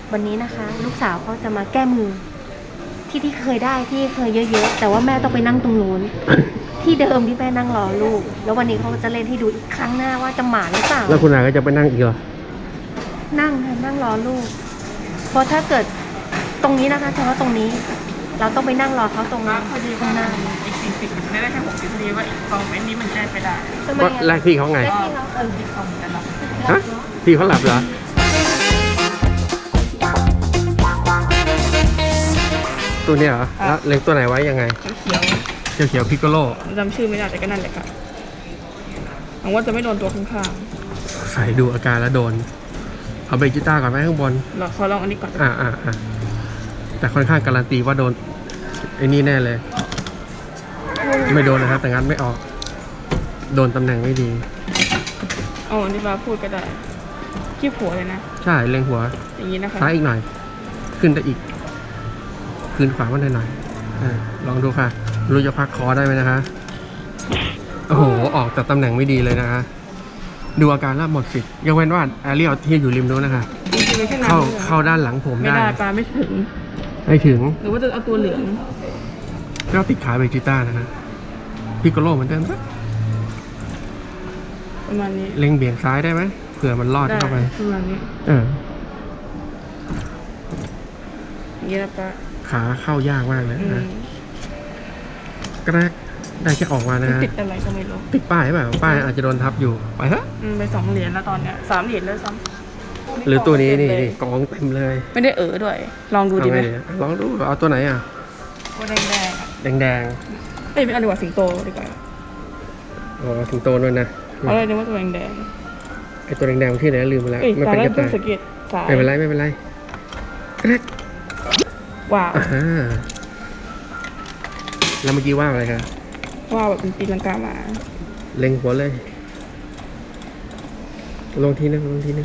วันนี้นะคะลูกสาวเขาจะมาแก้มือที่เคยได้ที่เคยเยอะๆแต่ว่าแม่ต้องไปนั่งตรงนู้น ที่เดิมที่แม่นั่งรอลูกแล้ววันนี้เขาจะเล่นให้ดูอีกครั้งหน้าว่าจะหมาหรือเปล่าแล้วคุณอาก็จะไปนั่งอีกเหรอนั่งค่ะนั่งรอลูกเพราะถ้าเกิดตรงนี้นะคะเฉพาะตรงนี้เราต้องไปนั่งรอเขาตรงนั้นพอดีข้างหน้าอีก40มันได้แค่60นาทีว่าอีก2เมตรนี้มันแก้ไปได้ว่าแรกพี่เขาไงอีก2เหมือนกันหรอฮะพี่เขาหลับเหรอตัวนี้เหรอแล้วเล็งตัวไหนไว้ยังไงเขียวพิกโกโลจำชื่อไม่ได้แต่ก็นั่นแหละค่ะหวังว่าจะไม่โดนตัวข้างๆใส่ดูอาการแล้วโดนเอาเบจิต้าก่อนไหมข้างบนเราขอลองอันนี้ก่อนแต่ค่อนข้างการันตีว่าโดนไอ้นี่แน่เลยไม่โดนนะครับแต่งั้นไม่ออกโดนตำแหน่งไม่ดีอ๋อนี่มาพูดก็ได้ขี้หัวเลยนะใช่เล็งหัวอย่างนี้นะคะซ้ายอีกหน่อยขึ้นได้อีกขึ้นขวามาหน่อยลองดูค่ะรู้จะพักคอได้ไหมนะคะโอ้โหออกแต่ตำแหน่งไม่ดีเลยนะคะดูอาการแล้วหมดสิทธิ์ยกเว้นว่าแอเรียลที่อยู่ริมนู้นนะคะเข้าด้านหลังผมได้ไม่ได้ปลาไม่ถึงหรือว่าจะเอาตัวเหลืองก็ติดขาเบจิต้านะคะพิกโกโลเหมือนเดิมประมาณนี้เล็งเบี่ยงซ้ายได้ไหมเผื่อมันรอดเข้าไปประมาณนี้อย่างนี้นะปลาขาเข้ายากมากเลยนะกระแรกได้แค่ออกมานะฮะติดอะไรก็ไม่รู้ติดป้ายแบบป้ายอาจจะโดนทับอยู่ไปฮะไป2 เหรียญแล้วตอนเนี้ย3 เหรียญแล้วซ้ำหรือตัวนี้นี่กองเต็มเลยไม่ได้ด้วยลองดูดีไหมลองดูเอาตัวไหนอ่ะตัวแดงไม่เอาดีกว่าสิงโตดีกว่าอ๋อสิงโตด้วยนะเอาเลยนึกว่าตัวแดงไอตัวแดงที่ไหนลืมไปแล้วไม่เป็นกระต่ายไม่เป็นไรกระแรกว้าวแล้วเมื่อกี้ว่าอะไรครับว้าวแบบเป็นปีลังกามาเล็งหัวเลยลงทีนึง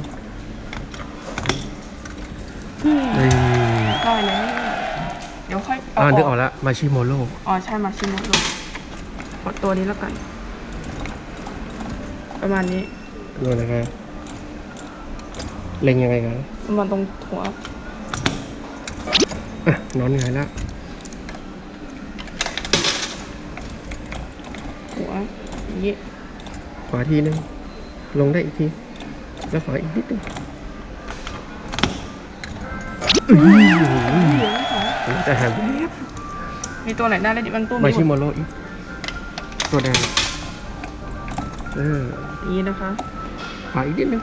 ได้เลยเดี๋ยวค่อยนึกออกแล้วมาชิโมโร่ใช่มาชิโมโร่กดตัวนี้แล้วกันประมาณนี้ดูนะครับเล็งยังไงครับประมาณตรงหัวนอนไงแล้วหัวอย่างนี้ขวาทีนึงลงได้อีกทีแล้วขวาอีกนิดนึงจะหามีตัวไหนได้แล้วดิมันตู้มาชิโมโร่อีกตัวแดงนี้นะคะขวาอีกนิดนึง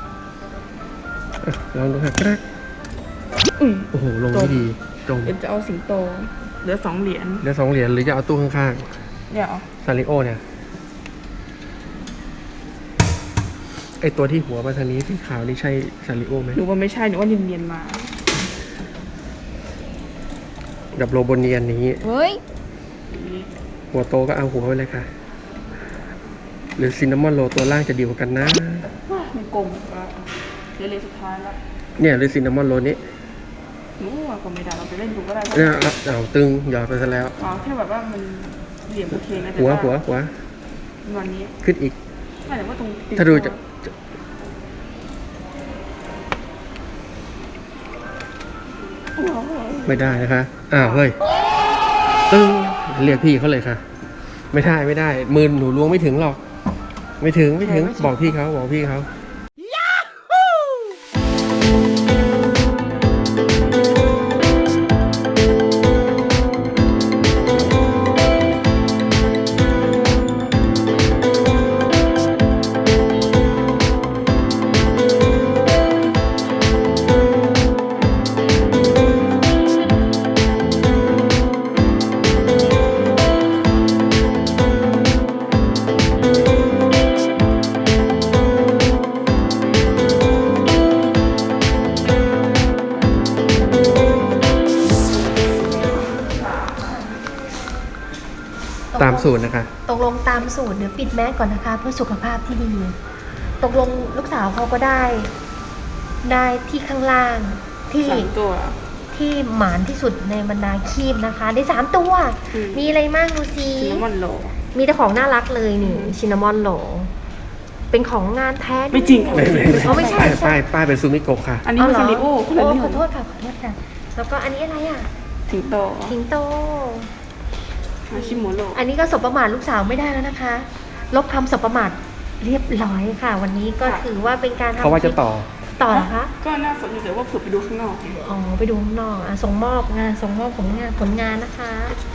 ลองดูครับกระโอ้โหลงไม่ดีเดี๋ยวจะเอาสิงโตเหลือ2 เหรียญหรือจะเอาตู้ข้างๆเดี๋ยวซาริโอเนี่ยไอตัวที่หัวมาทางนี้สีขาวนี่ใช่ซาริโอไหมหนูว่าไม่ใช่หนูว่าเนียนมาดับโลโบเนียนนี้เฮ้ยหัวโตก็เอาหัวไปเลยค่ะหรือซินนามอนโรตัวล่างจะดีกว่ากันนะไม่กลมก็เหลือสุดท้ายแล้วเนี่ยหรือซินนามอนโรนี้ก็ไม่ได้เราไปเล่นดูก็ได้เนี่ยเอาตึงหยอดไปซะแล้วแค่แบบว่ามันเหลี่ยมโอเคนะหัววันนี้ขึ้นอีกแต่ว่าตรงถ้าดูจะไม่ได้นะคะเฮ้ยตึงเรียกพี่เขาเลยค่ะไม่ได้มือหนูล้วงไม่ถึงหรอกไม่ถึงบอกพี่เขาตามสูตรนะคะตกลงตามสูตรเดี๋ยวปิดแมสก่อนนะคะเพื่อสุขภาพที่ดีตกลงลูกสาวเขาก็ได้ที่ข้างล่างที่หมานที่สุดในบรรดาคีบนะคะได้3 ตัวมีอะไรบ้างดูสิซินนามอนโรมีแต่ของน่ารักเลยนี่ซินนามอนโรเป็นของงานแท้ด้วยไม่จริงค่ะไม่ใช่ป้ายเป็นซูมิโกะค่ะอันนี้มันซาริโอคนละโอ้เรื่ขออง โทษค่ะขอโทษค่ะ แล้วก็อันนี้อะไรอ่ะสิงโตสิงโตมาชิโมโร่อันนี้ก็สบประมาทลูกสาวไม่ได้แล้วนะคะ ลบคำสบประมาทเรียบร้อยค่ะ วันนี้ก็ถือว่าเป็นการทำเพราะว่าจะต่อต่อเหรอคะก็น่าสนใจแต่ว่าเผื่อไปดูข้างนอกอ๋อไปดูข้างนอกส่งมอบงานส่งมอบผลงานนะคะ